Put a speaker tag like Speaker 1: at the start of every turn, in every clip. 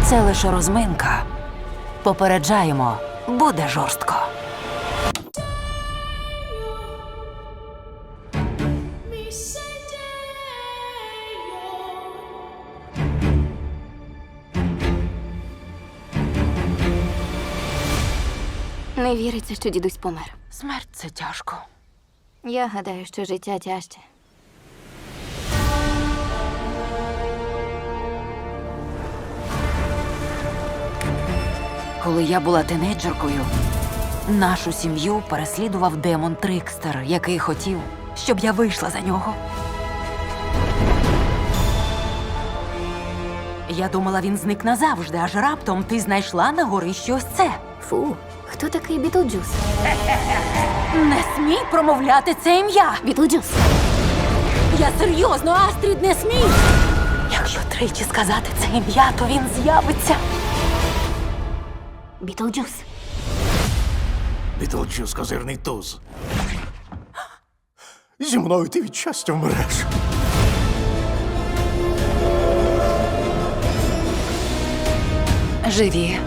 Speaker 1: Це лише розминка. Попереджаємо, буде жорстко.
Speaker 2: Не віриться, що дідусь помер.
Speaker 1: Смерть – це тяжко.
Speaker 2: Я гадаю, що життя тяжче.
Speaker 1: Коли я була тинейджеркою, нашу сім'ю переслідував демон Трикстер, який хотів, щоб я вийшла за нього. Я думала, він зник назавжди, аж раптом ти знайшла на горищі ось це.
Speaker 2: Фу, хто такий Бітлджус?
Speaker 1: Не смій промовляти це ім'я!
Speaker 2: Бітлджус!
Speaker 1: Я серйозно, Астрід, не смій! Якщо тричі сказати це ім'я, то він з'явиться.
Speaker 2: Бітлджус!
Speaker 3: Бітлджус – козирний туз. Зі мною ти від щастя вмреш.
Speaker 1: Живі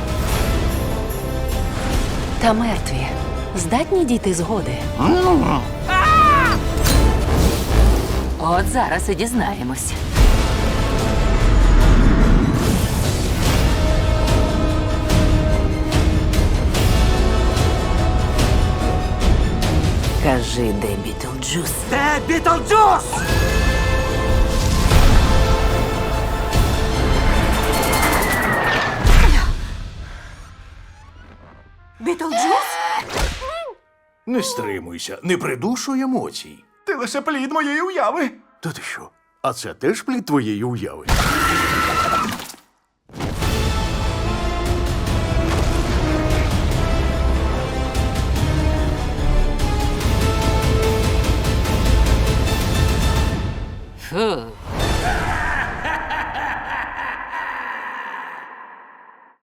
Speaker 1: та мертві здатні дійти згоди. От зараз і дізнаємось. Кажи, де Бітлджус?
Speaker 3: Де Бітлджус?
Speaker 1: Бітлджус?
Speaker 3: Не стримуйся, не придушуй емоцій.
Speaker 4: Ти лише плід моєї уяви.
Speaker 3: Та ти що? А це теж плід твоєї уяви?